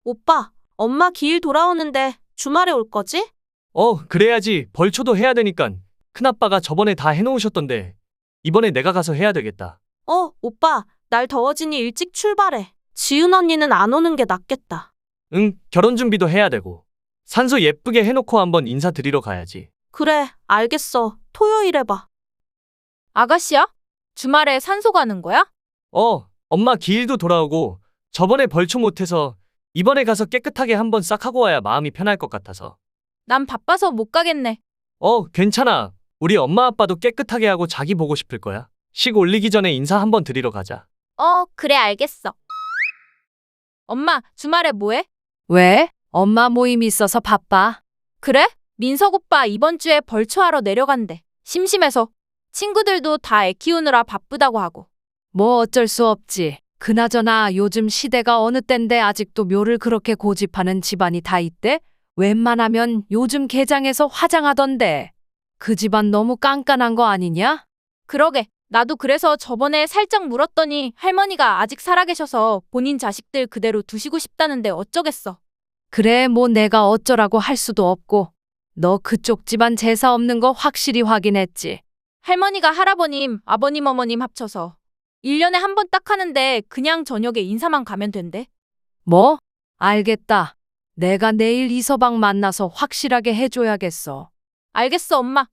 오빠, 엄마 기일 돌아오는데 주말에 올 거지? 그래야지. 벌초도 해야 되니깐. 큰아빠가 저번에 다 해놓으셨던데 이번에 내가 가서 해야 되겠다. 오빠, 날 더워지니 일찍 출발해. 지은 언니는 안 오는 게 낫겠다. 응, 결혼 준비도 해야 되고. 산소 예쁘게 해놓고 한번 인사드리러 가야지. 그래, 알겠어. 토요일에 봐. 아가씨야? 주말에 산소 가는 거야? 엄마 기일도 돌아오고 저번에 벌초 못해서 이번에 가서 깨끗하게 한번 싹 하고 와야 마음이 편할 것 같아서. 난 바빠서 못 가겠네. 괜찮아. 우리 엄마 아빠도 깨끗하게 하고 자기 보고 싶을 거야. 식 올리기 전에 인사 한번 드리러 가자. 그래, 알겠어. 엄마, 주말에 뭐해? 왜? 엄마 모임 있어서 바빠. 그래? 민석 오빠 이번 주에 벌초하러 내려간대. 심심해서. 친구들도 다 애 키우느라 바쁘다고 하고. 뭐 어쩔 수 없지. 그나저나 요즘 시대가 어느 땐데 아직도 묘를 그렇게 고집하는 집안이 다 있대? 웬만하면 요즘 개장에서 화장하던데. 그 집안 너무 깐깐한 거 아니냐? 그러게. 나도 그래서 저번에 살짝 물었더니 할머니가 아직 살아계셔서 본인 자식들 그대로 두시고 싶다는데 어쩌겠어. 그래, 뭐 내가 어쩌라고 할 수도 없고. 너 그쪽 집안 제사 없는 거 확실히 확인했지? 할머니가 할아버님, 아버님, 어머님 합쳐서 1년에 한 번 딱 하는데 그냥 저녁에 인사만 가면 된대. 뭐? 알겠다. 내가 내일 이서방 만나서 확실하게 해줘야겠어. 알겠어, 엄마.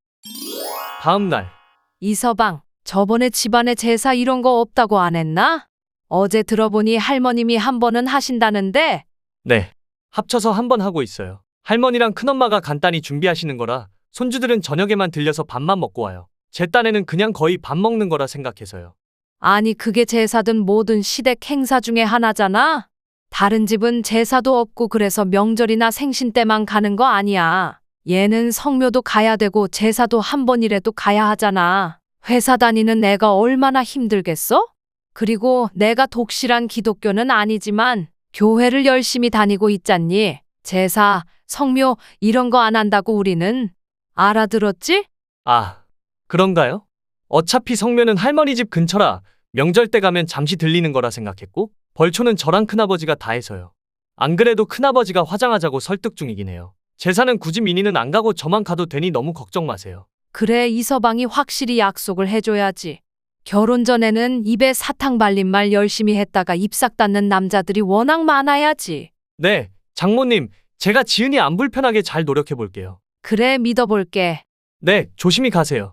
다음 날. 이서방, 저번에 집안에 제사 이런 거 없다고 안 했나? 어제 들어보니 할머님이 한 번은 하신다는데? 네. 합쳐서 한번 하고 있어요. 할머니랑 큰엄마가 간단히 준비하시는 거라 손주들은 저녁에만 들려서 밥만 먹고 와요. 제 딴에는 그냥 거의 밥 먹는 거라 생각해서요. 아니, 그게 제사든 뭐든 시댁 행사 중에 하나잖아? 다른 집은 제사도 없고 그래서 명절이나 생신 때만 가는 거 아니야. 얘는 성묘도 가야 되고 제사도 한 번이라도 가야 하잖아. 회사 다니는 애가 얼마나 힘들겠어? 그리고 내가 독실한 기독교는 아니지만 교회를 열심히 다니고 있잖니. 제사, 성묘 이런 거 안 한다고 우리는. 알아들었지? 아, 그런가요? 어차피 성묘는 할머니 집 근처라 명절 때 가면 잠시 들리는 거라 생각했고 벌초는 저랑 큰아버지가 다 해서요. 안 그래도 큰아버지가 화장하자고 설득 중이긴 해요. 제사는 굳이 민희는 안 가고 저만 가도 되니 너무 걱정 마세요. 그래, 이서방이 확실히 약속을 해줘야지. 결혼 전에는 입에 사탕 발린 말 열심히 했다가 입싹 닫는 남자들이 워낙 많아야지. 네, 장모님, 제가 지은이 안 불편하게 잘 노력해 볼게요. 그래, 믿어볼게. 네, 조심히 가세요.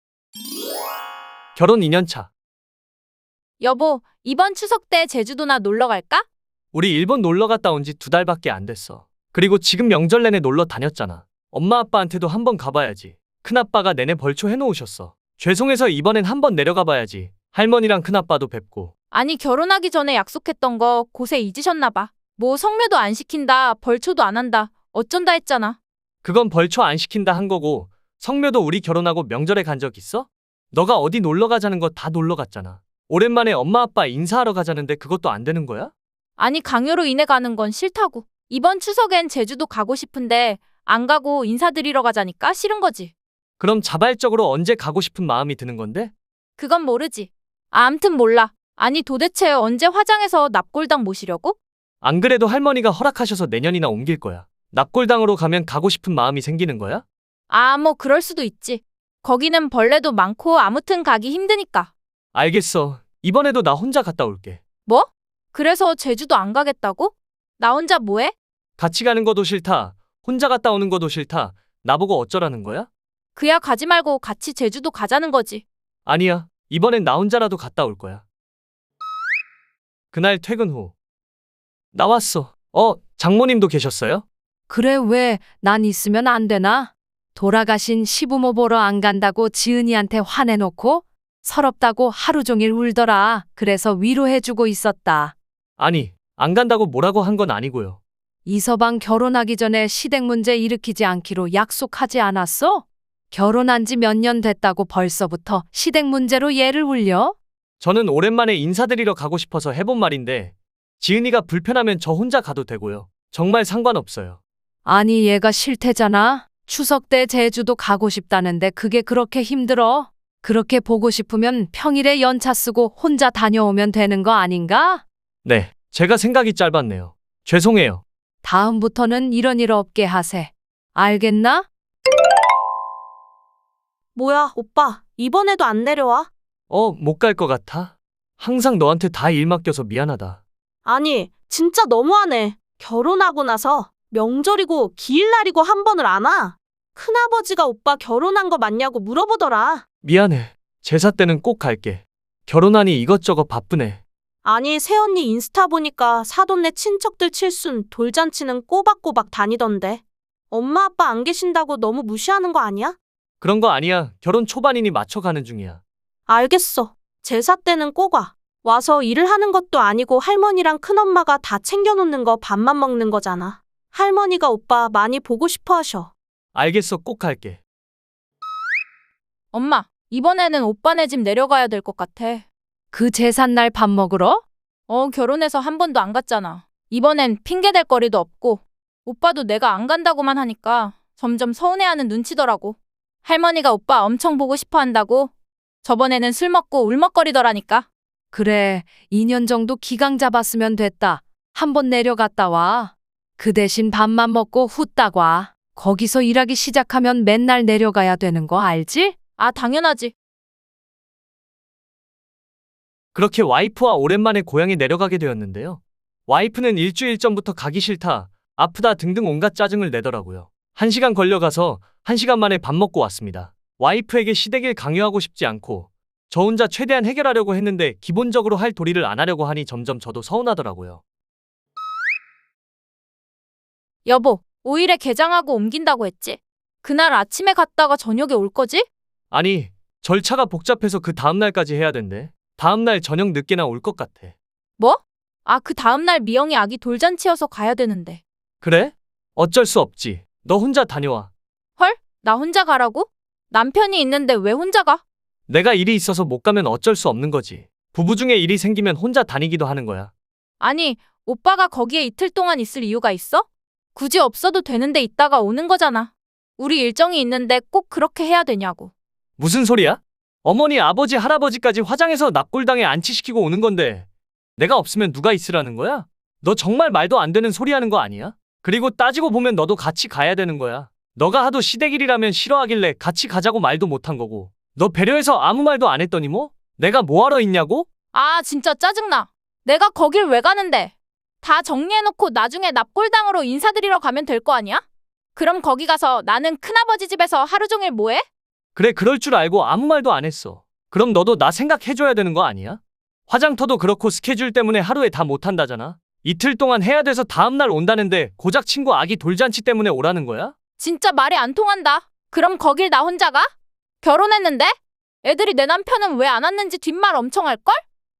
결혼 2년차. 여보, 이번 추석 때 제주도나 놀러 갈까? 우리 일본 놀러 갔다 온 지 2달밖에 안 됐어. 그리고 지금 명절 내내 놀러 다녔잖아. 엄마 아빠한테도 한번 가봐야지. 큰아빠가 내내 벌초 해놓으셨어. 죄송해서 이번엔 한번 내려가 봐야지. 할머니랑 큰아빠도 뵙고. 아니, 결혼하기 전에 약속했던 거 고세 잊으셨나 봐. 뭐 성묘도 안 시킨다, 벌초도 안 한다, 어쩐다 했잖아. 그건 벌초 안 시킨다 한 거고 성묘도 우리 결혼하고 명절에 간 적 있어? 너가 어디 놀러 가자는 거 다 놀러 갔잖아. 오랜만에 엄마 아빠 인사하러 가자는데 그것도 안 되는 거야? 아니, 강요로 인해 가는 건 싫다고. 이번 추석엔 제주도 가고 싶은데 안 가고 인사드리러 가자니까 싫은 거지. 그럼 자발적으로 언제 가고 싶은 마음이 드는 건데? 그건 모르지. 암튼 몰라. 아니, 도대체 언제 화장해서 납골당 모시려고? 안 그래도 할머니가 허락하셔서 내년이나 옮길 거야. 납골당으로 가면 가고 싶은 마음이 생기는 거야? 뭐 그럴 수도 있지. 거기는 벌레도 많고 아무튼 가기 힘드니까. 알겠어. 이번에도 나 혼자 갔다 올게. 뭐? 그래서 제주도 안 가겠다고? 나 혼자 뭐해? 같이 가는 것도 싫다. 혼자 갔다 오는 것도 싫다. 나보고 어쩌라는 거야? 그야 가지 말고 같이 제주도 가자는 거지. 아니야. 이번엔 나 혼자라도 갔다 올 거야. 그날 퇴근 후. 나왔어. 장모님도 계셨어요? 그래, 왜 난 있으면 안 되나? 돌아가신 시부모 보러 안 간다고 지은이한테 화내놓고 서럽다고 하루 종일 울더라. 그래서 위로해주고 있었다. 아니, 안 간다고 뭐라고 한 건 아니고요. 이서방 결혼하기 전에 시댁 문제 일으키지 않기로 약속하지 않았어? 결혼한 지 몇 년 됐다고 벌써부터 시댁 문제로 얘를 울려? 저는 오랜만에 인사드리러 가고 싶어서 해본 말인데 지은이가 불편하면 저 혼자 가도 되고요. 정말 상관없어요. 아니, 얘가 싫대잖아. 추석 때 제주도 가고 싶다는데 그게 그렇게 힘들어? 그렇게 보고 싶으면 평일에 연차 쓰고 혼자 다녀오면 되는 거 아닌가? 네, 제가 생각이 짧았네요. 죄송해요. 다음부터는 이런 일 없게 하세. 알겠나? 뭐야, 오빠. 이번에도 안 내려와? 못 갈 것 같아. 항상 너한테 다 일 맡겨서 미안하다. 아니, 진짜 너무하네. 결혼하고 나서 명절이고 기일날이고 한 번을 안 와. 큰아버지가 오빠 결혼한 거 맞냐고 물어보더라. 미안해. 제사 때는 꼭 갈게. 결혼하니 이것저것 바쁘네. 아니, 새언니 인스타 보니까 사돈네 친척들 칠순 돌잔치는 꼬박꼬박 다니던데. 엄마 아빠 안 계신다고 너무 무시하는 거 아니야? 그런 거 아니야. 결혼 초반이니 맞춰가는 중이야. 알겠어. 제사 때는 꼭 와. 와서 일을 하는 것도 아니고 할머니랑 큰엄마가 다 챙겨놓는 거 밥만 먹는 거잖아. 할머니가 오빠 많이 보고 싶어 하셔. 알겠어. 꼭 갈게. 엄마, 이번에는 오빠네 집 내려가야 될 것 같아. 그 제삿날 밥 먹으러? 결혼해서 한 번도 안 갔잖아. 이번엔 핑계 댈 거리도 없고 오빠도 내가 안 간다고만 하니까 점점 서운해하는 눈치더라고. 할머니가 오빠 엄청 보고 싶어 한다고. 저번에는 술 먹고 울먹거리더라니까. 그래, 2년 정도 기강 잡았으면 됐다. 한번 내려갔다 와. 그 대신 밥만 먹고 후딱 와. 거기서 일하기 시작하면 맨날 내려가야 되는 거 알지? 아, 당연하지. 그렇게 와이프와 오랜만에 고향에 내려가게 되었는데요. 와이프는 일주일 전부터 가기 싫다, 아프다 등등 온갖 짜증을 내더라고요. 1시간 걸려가서 1시간 만에 밥 먹고 왔습니다. 와이프에게 시댁일 강요하고 싶지 않고 저 혼자 최대한 해결하려고 했는데 기본적으로 할 도리를 안 하려고 하니 점점 저도 서운하더라고요. 여보, 5일에 개장하고 옮긴다고 했지? 그날 아침에 갔다가 저녁에 올 거지? 아니, 절차가 복잡해서 그 다음날까지 해야 된대. 다음날 저녁 늦게나 올 것 같아. 뭐? 아, 그 다음날 미영이 아기 돌잔치여서 가야 되는데. 그래? 어쩔 수 없지. 너 혼자 다녀와. 헐? 나 혼자 가라고? 남편이 있는데 왜 혼자 가? 내가 일이 있어서 못 가면 어쩔 수 없는 거지. 부부 중에 일이 생기면 혼자 다니기도 하는 거야. 아니, 오빠가 거기에 이틀 동안 있을 이유가 있어? 굳이 없어도 되는데 있다가 오는 거잖아. 우리 일정이 있는데 꼭 그렇게 해야 되냐고. 무슨 소리야? 어머니, 아버지, 할아버지까지 화장해서 납골당에 안치시키고 오는 건데 내가 없으면 누가 있으라는 거야? 너 정말 말도 안 되는 소리 하는 거 아니야? 그리고 따지고 보면 너도 같이 가야 되는 거야. 너가 하도 시댁일이라면 싫어하길래 같이 가자고 말도 못한 거고. 너 배려해서 아무 말도 안 했더니 뭐? 내가 뭐하러 있냐고? 아, 진짜 짜증나. 내가 거길 왜 가는데? 다 정리해놓고 나중에 납골당으로 인사드리러 가면 될 거 아니야? 그럼 거기 가서 나는 큰아버지 집에서 하루 종일 뭐해? 그래, 그럴 줄 알고 아무 말도 안 했어. 그럼 너도 나 생각해줘야 되는 거 아니야? 화장터도 그렇고 스케줄 때문에 하루에 다 못한다잖아. 이틀 동안 해야 돼서 다음날 온다는데 고작 친구 아기 돌잔치 때문에 오라는 거야? 진짜 말이 안 통한다. 그럼 거길 나 혼자 가? 결혼했는데? 애들이 내 남편은 왜 안 왔는지 뒷말 엄청 할걸?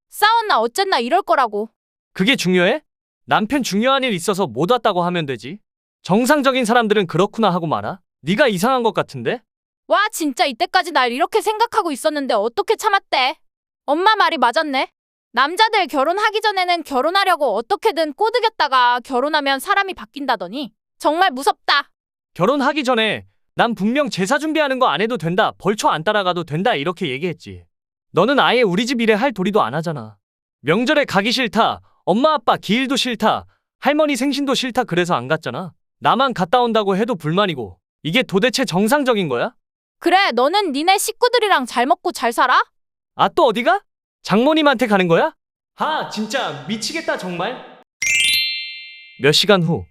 싸웠나 어쨌나 이럴 거라고. 그게 중요해? 남편 중요한 일 있어서 못 왔다고 하면 되지. 정상적인 사람들은 그렇구나 하고 말아. 네가 이상한 것 같은데? 와, 진짜 이때까지 날 이렇게 생각하고 있었는데 어떻게 참았대? 엄마 말이 맞았네. 남자들 결혼하기 전에는 결혼하려고 어떻게든 꼬드겼다가 결혼하면 사람이 바뀐다더니 정말 무섭다. 결혼하기 전에 난 분명 제사 준비하는 거 안 해도 된다, 벌초 안 따라가도 된다 이렇게 얘기했지. 너는 아예 우리 집 일에 할 도리도 안 하잖아. 명절에 가기 싫다, 엄마 아빠 기일도 싫다, 할머니 생신도 싫다 그래서 안 갔잖아. 나만 갔다 온다고 해도 불만이고. 이게 도대체 정상적인 거야? 그래, 너는 니네 식구들이랑 잘 먹고 잘 살아? 아, 또 어디가? 장모님한테 가는 거야? 아, 진짜 미치겠다 정말. 몇 시간 후.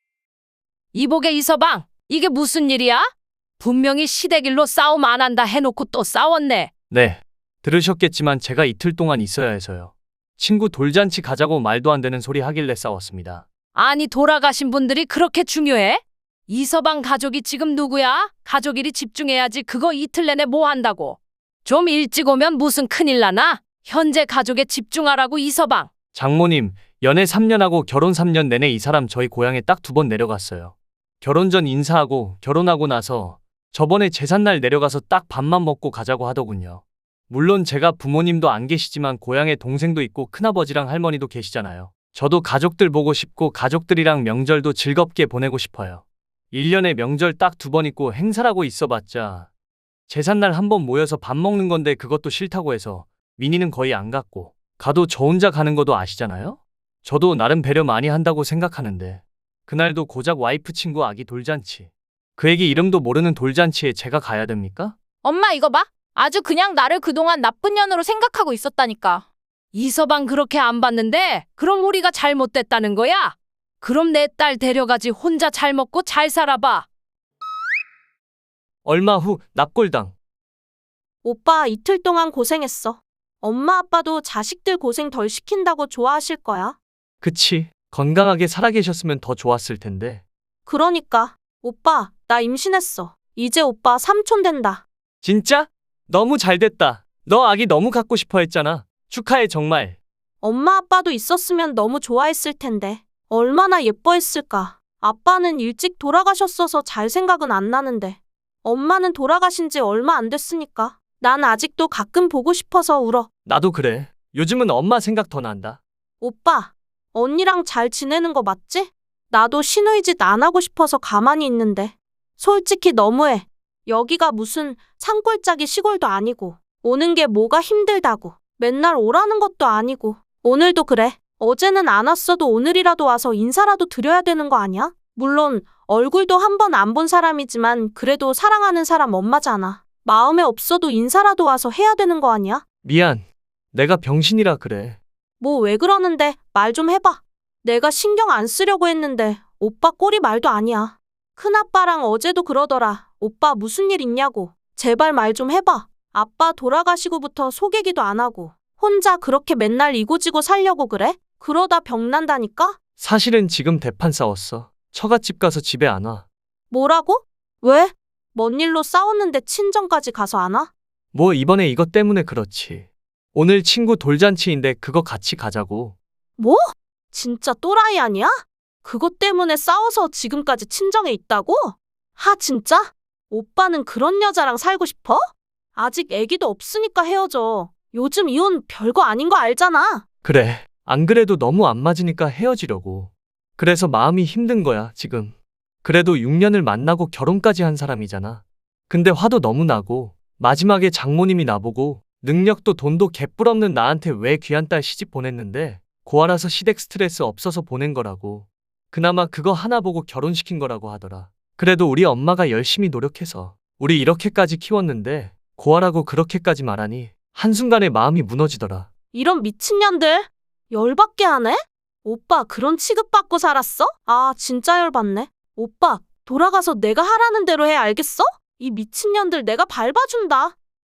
이복의 이서방, 이게 무슨 일이야? 분명히 시댁일로 싸움 안 한다 해놓고 또 싸웠네. 네, 들으셨겠지만 제가 이틀 동안 있어야 해서요. 친구 돌잔치 가자고 말도 안 되는 소리 하길래 싸웠습니다. 아니, 돌아가신 분들이 그렇게 중요해? 이서방 가족이 지금 누구야? 가족 일이 집중해야지. 그거 이틀 내내 뭐 한다고? 좀 일찍 오면 무슨 큰일 나나? 현재 가족에 집중하라고. 이서방. 장모님, 연애 3년 하고 결혼 3년 내내 이 사람 저희 고향에 딱 2번 내려갔어요. 결혼 전 인사하고 결혼하고 나서 저번에 제삿날 내려가서 딱 밥만 먹고 가자고 하더군요. 물론 제가 부모님도 안 계시지만 고향에 동생도 있고 큰아버지랑 할머니도 계시잖아요. 저도 가족들 보고 싶고 가족들이랑 명절도 즐겁게 보내고 싶어요. 1년에 명절 딱 2번 있고 행사라고 있어봤자 제삿날 1번 모여서 밥 먹는 건데 그것도 싫다고 해서 민희는 거의 안 갔고, 가도 저 혼자 가는 거도 아시잖아요? 저도 나름 배려 많이 한다고 생각하는데 그날도 고작 와이프 친구 아기 돌잔치. 그 애기 이름도 모르는 돌잔치에 제가 가야 됩니까? 엄마 이거 봐. 아주 그냥 나를 그동안 나쁜 년으로 생각하고 있었다니까. 이서방 그렇게 안 봤는데 그럼 우리가 잘못됐다는 거야? 그럼 내 딸 데려가지 혼자 잘 먹고 잘 살아봐. 얼마 후 납골당. 오빠 이틀 동안 고생했어. 엄마 아빠도 자식들 고생 덜 시킨다고 좋아하실 거야. 그치. 건강하게 살아계셨으면 더 좋았을 텐데. 그러니까. 오빠, 나 임신했어. 이제 오빠 삼촌 된다. 진짜? 너무 잘 됐다. 너 아기 너무 갖고 싶어 했잖아. 축하해 정말. 엄마 아빠도 있었으면 너무 좋아했을 텐데. 얼마나 예뻐했을까. 아빠는 일찍 돌아가셨어서 잘 생각은 안 나는데. 엄마는 돌아가신 지 얼마 안 됐으니까. 난 아직도 가끔 보고 싶어서 울어. 나도 그래. 요즘은 엄마 생각 더 난다. 오빠, 언니랑 잘 지내는 거 맞지? 나도 신우이짓 안 하고 싶어서 가만히 있는데. 솔직히 너무해. 여기가 무슨 산골짜기 시골도 아니고 오는 게 뭐가 힘들다고. 맨날 오라는 것도 아니고. 오늘도 그래. 어제는 안 왔어도 오늘이라도 와서 인사라도 드려야 되는 거 아니야? 물론 얼굴도 한 번 안 본 사람이지만 그래도 사랑하는 사람 엄마잖아. 마음에 없어도 인사라도 와서 해야 되는 거 아니야? 미안. 내가 병신이라 그래. 뭐 왜 그러는데 말 좀 해봐. 내가 신경 안 쓰려고 했는데 오빠 꼴이 말도 아니야. 큰아빠랑 어제도 그러더라. 오빠 무슨 일 있냐고. 제발 말 좀 해봐. 아빠 돌아가시고부터 속얘기도 안 하고 혼자 그렇게 맨날 이고지고 살려고 그래? 그러다 병난다니까? 사실은 지금 대판 싸웠어. 처갓집 가서 집에 안 와. 뭐라고? 왜? 뭔 일로 싸웠는데 친정까지 가서 안 와? 뭐 이번에 이것 때문에 그렇지. 오늘 친구 돌잔치인데 그거 같이 가자고. 뭐? 진짜 또라이 아니야? 그것 때문에 싸워서 지금까지 친정에 있다고? 하 진짜? 오빠는 그런 여자랑 살고 싶어? 아직 애기도 없으니까 헤어져. 요즘 이혼 별거 아닌 거 알잖아. 그래. 안 그래도 너무 안 맞으니까 헤어지려고. 그래서 마음이 힘든 거야, 지금. 그래도 6년을 만나고 결혼까지 한 사람이잖아. 근데 화도 너무 나고 마지막에 장모님이 나보고 능력도 돈도 개뿔 없는 나한테 왜 귀한 딸 시집 보냈는데 고아라서 시댁 스트레스 없어서 보낸 거라고. 그나마 그거 하나 보고 결혼시킨 거라고 하더라. 그래도 우리 엄마가 열심히 노력해서 우리 이렇게까지 키웠는데 고아라고 그렇게까지 말하니 한순간에 마음이 무너지더라. 이런 미친년들. 열받게 하네? 오빠 그런 취급받고 살았어? 아 진짜 열받네. 오빠 돌아가서 내가 하라는 대로 해 알겠어? 이 미친년들 내가 밟아준다.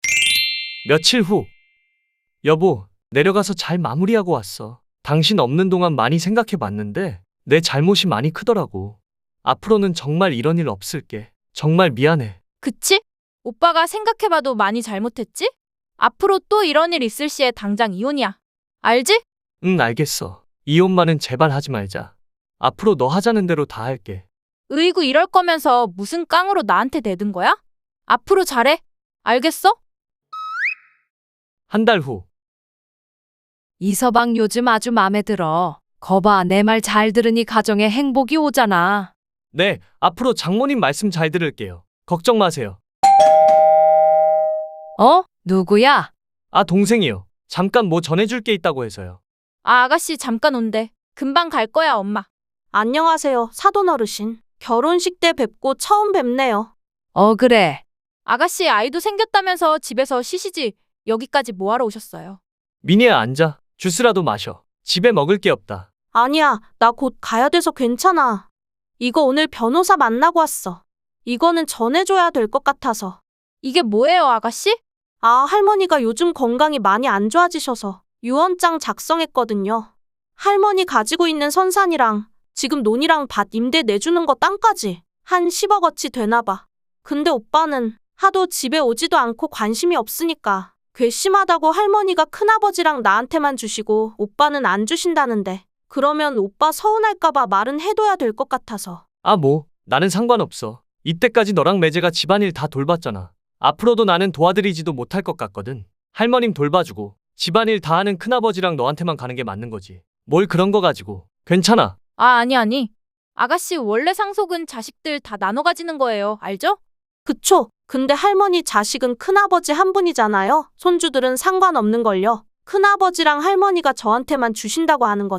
며칠 후. 여보, 내려가서 잘 마무리하고 왔어. 당신 없는 동안 많이 생각해 봤는데 내 잘못이 많이 크더라고. 앞으로는 정말 이런 일 없을게. 정말 미안해. 그치? 오빠가 생각해봐도 많이 잘못했지? 앞으로 또 이런 일 있을 시에 당장 이혼이야. 알지? 응, 알겠어. 이혼만은 제발 하지 말자. 앞으로 너 하자는 대로 다 할게. 으이구 이럴 거면서 무슨 깡으로 나한테 대든 거야? 앞으로 잘해. 알겠어? 한 달 후. 이서방 요즘 아주 맘에 들어. 거봐, 내 말 잘 들으니 가정에 행복이 오잖아. 네, 앞으로 장모님 말씀 잘 들을게요. 걱정 마세요. 어? 누구야? 아, 동생이요. 잠깐 뭐 전해줄 게 있다고 해서요. 아, 아가씨 잠깐 온대. 금방 갈 거야, 엄마. 안녕하세요 사돈 어르신. 결혼식 때 뵙고 처음 뵙네요. 그래. 아가씨 아이도 생겼다면서 집에서 쉬시지. 여기까지 뭐하러 오셨어요? 미니야, 앉아. 주스라도 마셔. 집에 먹을 게 없다. 아니야 나 곧 가야 돼서 괜찮아. 이거 오늘 변호사 만나고 왔어. 이거는 전해줘야 될 것 같아서. 이게 뭐예요, 아가씨? 아 할머니가 요즘 건강이 많이 안 좋아지셔서 유언장 작성했거든요. 할머니 가지고 있는 선산이랑 지금 논이랑 밭 임대 내주는 거 땅까지 한 10억어치 되나 봐. 근데 오빠는 하도 집에 오지도 않고 관심이 없으니까 괘씸하다고 할머니가 큰아버지랑 나한테만 주시고 오빠는 안 주신다는데 그러면 오빠 서운할까봐 말은 해둬야 될 것 같아서. 아, 뭐. 나는 상관없어. 이때까지 너랑 매제가 집안일 다 돌봤잖아. 앞으로도 나는 도와드리지도 못할 것 같거든. 할머님 돌봐주고 집안일 다 하는 큰아버지랑 너한테만 가는 게 맞는 거지. 뭘 그런 거 가지고. 괜찮아. 아, 아니. 아가씨 원래 상속은 자식들 다 나눠 가지는 거예요. 알죠? 그쵸? 근데 할머니 자식은 큰아버지 한 분이잖아요. 손주들은 상관없는걸요. 큰아버지랑 할머니가 저한테만 주신다고 하는 거죠.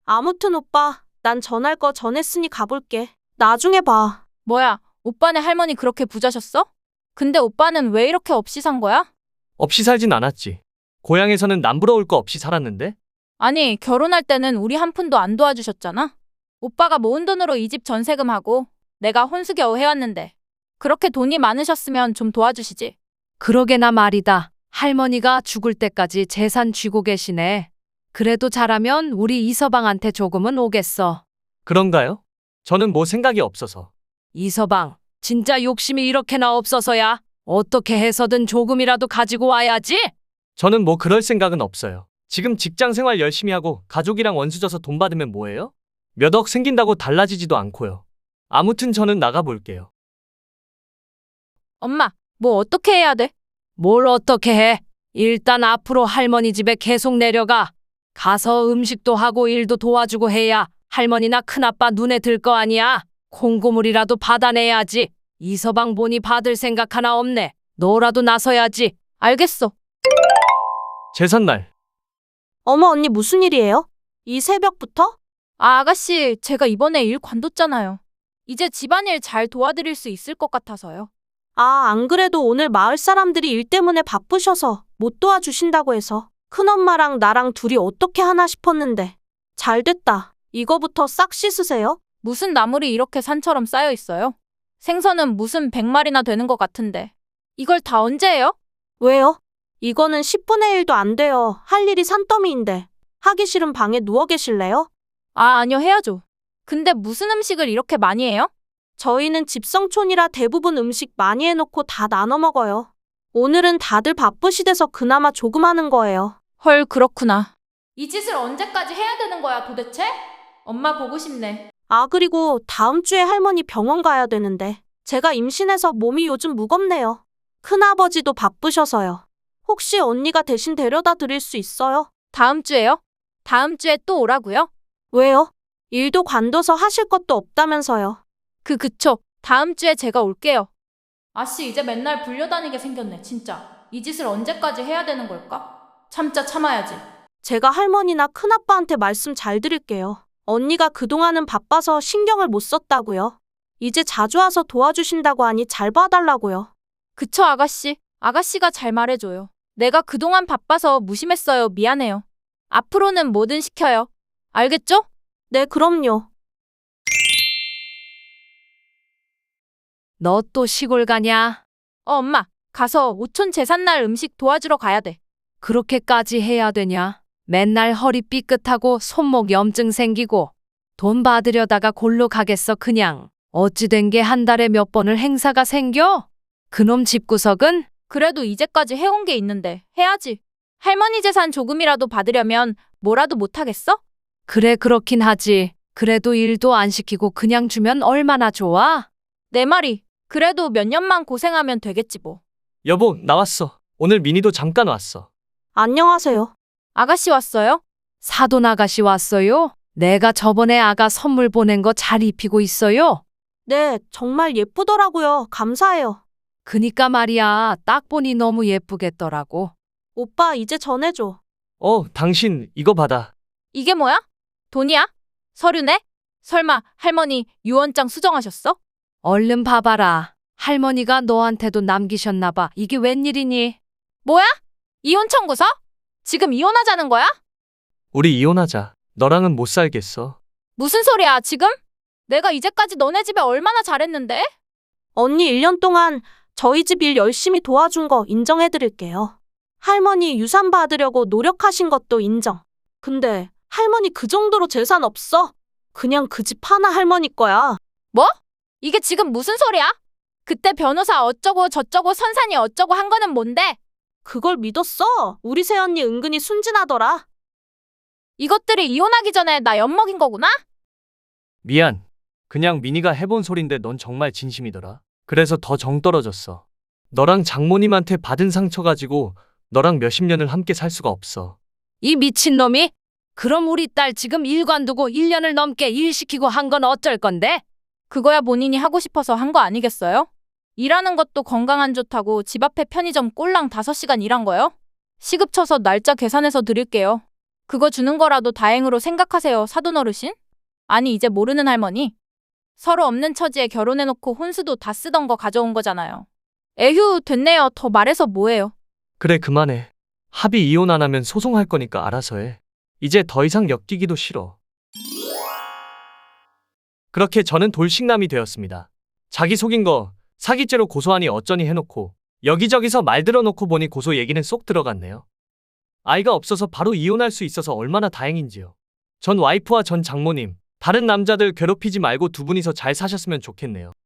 아무튼 오빠, 난 전할 거 전했으니 가볼게. 나중에 봐. 뭐야, 오빠네 할머니 그렇게 부자셨어? 근데 오빠는 왜 이렇게 없이 산 거야? 없이 살진 않았지. 고향에서는 남부러울 거 없이 살았는데? 아니, 결혼할 때는 우리 한 푼도 안 도와주셨잖아? 오빠가 모은 돈으로 이 집 전세금하고 내가 혼수 겨우 해왔는데 그렇게 돈이 많으셨으면 좀 도와주시지. 그러게나 말이다. 할머니가 죽을 때까지 재산 쥐고 계시네. 그래도 잘하면 우리 이서방한테 조금은 오겠어. 그런가요? 저는 뭐 생각이 없어서. 이서방, 진짜 욕심이 이렇게나 없어서야. 어떻게 해서든 조금이라도 가지고 와야지. 저는 뭐 그럴 생각은 없어요. 지금 직장 생활 열심히 하고 가족이랑 원수져서 돈 받으면 뭐예요? 몇 억 생긴다고 달라지지도 않고요. 아무튼 저는 나가볼게요. 엄마, 뭐 어떻게 해야 돼? 뭘 어떻게 해? 일단 앞으로 할머니 집에 계속 내려가. 가서 음식도 하고 일도 도와주고 해야 할머니나 큰아빠 눈에 들 거 아니야. 콩고물이라도 받아내야지. 이서방 보니 받을 생각 하나 없네. 너라도 나서야지. 알겠어. 제삿날. 어머, 언니 무슨 일이에요? 이 새벽부터? 아, 아가씨, 제가 이번에 일 관뒀잖아요. 이제 집안일 잘 도와드릴 수 있을 것 같아서요. 아, 안 그래도 오늘 마을 사람들이 일 때문에 바쁘셔서 못 도와주신다고 해서 큰엄마랑 나랑 둘이 어떻게 하나 싶었는데. 잘 됐다. 이거부터 싹 씻으세요. 무슨 나물이 이렇게 산처럼 쌓여 있어요? 생선은 무슨 100마리나 되는 것 같은데. 이걸 다 언제 해요? 왜요? 이거는 10분의 1도 안 돼요. 할 일이 산더미인데. 하기 싫은 방에 누워 계실래요? 아, 아니요, 해야죠. 근데 무슨 음식을 이렇게 많이 해요? 저희는 집성촌이라 대부분 음식 많이 해놓고 다 나눠 먹어요. 오늘은 다들 바쁘시대서 그나마 조금 하는 거예요. 헐, 그렇구나. 이 짓을 언제까지 해야 되는 거야, 도대체? 엄마 보고 싶네. 아, 그리고 다음 주에 할머니 병원 가야 되는데 제가 임신해서 몸이 요즘 무겁네요. 큰아버지도 바쁘셔서요. 혹시 언니가 대신 데려다 드릴 수 있어요? 다음 주에요? 다음 주에 또 오라고요? 왜요? 일도 관둬서 하실 것도 없다면서요. 그쵸. 다음 주에 제가 올게요. 아씨, 이제 맨날 불려다니게 생겼네, 진짜. 이 짓을 언제까지 해야 되는 걸까? 참자 참아야지. 제가 할머니나 큰아빠한테 말씀 잘 드릴게요. 언니가 그동안은 바빠서 신경을 못 썼다고요. 이제 자주 와서 도와주신다고 하니 잘 봐달라고요. 그쵸, 아가씨. 아가씨가 잘 말해줘요. 내가 그동안 바빠서 무심했어요. 미안해요. 앞으로는 뭐든 시켜요. 알겠죠? 네, 그럼요. 너 또 시골 가냐? 엄마. 가서 오촌 제삿날 음식 도와주러 가야 돼. 그렇게까지 해야 되냐? 맨날 허리 삐끗하고 손목 염증 생기고 돈 받으려다가 골로 가겠어 그냥. 어찌 된 게 한 달에 몇 번을 행사가 생겨? 그놈 집구석은? 그래도 이제까지 해온 게 있는데 해야지. 할머니 재산 조금이라도 받으려면 뭐라도 못하겠어? 그래 그렇긴 하지. 그래도 일도 안 시키고 그냥 주면 얼마나 좋아? 내 말이. 그래도 몇 년만 고생하면 되겠지 뭐. 여보, 나왔어. 오늘 미니도 잠깐 왔어. 안녕하세요. 아가씨 왔어요? 사돈 아가씨 왔어요? 내가 저번에 아가 선물 보낸 거 잘 입히고 있어요? 네, 정말 예쁘더라고요. 감사해요. 그니까 말이야. 딱 보니 너무 예쁘겠더라고. 오빠, 이제 전해줘. 당신 이거 받아. 이게 뭐야? 돈이야? 서류네? 설마 할머니 유언장 수정하셨어? 얼른 봐봐라. 할머니가 너한테도 남기셨나 봐. 이게 웬일이니? 뭐야? 이혼 청구서? 지금 이혼하자는 거야? 우리 이혼하자. 너랑은 못 살겠어. 무슨 소리야, 지금? 내가 이제까지 너네 집에 얼마나 잘했는데? 언니 1년 동안 저희 집 일 열심히 도와준 거 인정해드릴게요. 할머니 유산 받으려고 노력하신 것도 인정. 근데 할머니 그 정도로 재산 없어? 그냥 그 집 하나 할머니 거야. 뭐? 이게 지금 무슨 소리야? 그때 변호사 어쩌고 저쩌고 선산이 어쩌고 한 거는 뭔데? 그걸 믿었어? 우리 새언니 은근히 순진하더라. 이것들이 이혼하기 전에 나 엿먹인 거구나? 미안. 그냥 미니가 해본 소린데 넌 정말 진심이더라. 그래서 더 정 떨어졌어. 너랑 장모님한테 받은 상처 가지고 너랑 몇십 년을 함께 살 수가 없어. 이 미친놈이? 그럼 우리 딸 지금 일 관두고 1년을 넘게 일 시키고 한 건 어쩔 건데? 그거야 본인이 하고 싶어서 한 거 아니겠어요? 일하는 것도 건강 안 좋다고 집 앞에 편의점 꼴랑 5시간 일한 거요? 시급 쳐서 날짜 계산해서 드릴게요. 그거 주는 거라도 다행으로 생각하세요, 사돈 어르신? 아니, 이제 모르는 할머니? 서로 없는 처지에 결혼해놓고 혼수도 다 쓰던 거 가져온 거잖아요. 에휴, 됐네요. 더 말해서 뭐해요. 그래, 그만해. 합의 이혼 안 하면 소송할 거니까 알아서 해. 이제 더 이상 엮이기도 싫어. 그렇게 저는 돌싱남이 되었습니다. 자기 속인 거 사기죄로 고소하니 어쩌니 해놓고 여기저기서 말 들어놓고 보니 고소 얘기는 쏙 들어갔네요. 아이가 없어서 바로 이혼할 수 있어서 얼마나 다행인지요. 전 와이프와 전 장모님, 다른 남자들 괴롭히지 말고 두 분이서 잘 사셨으면 좋겠네요.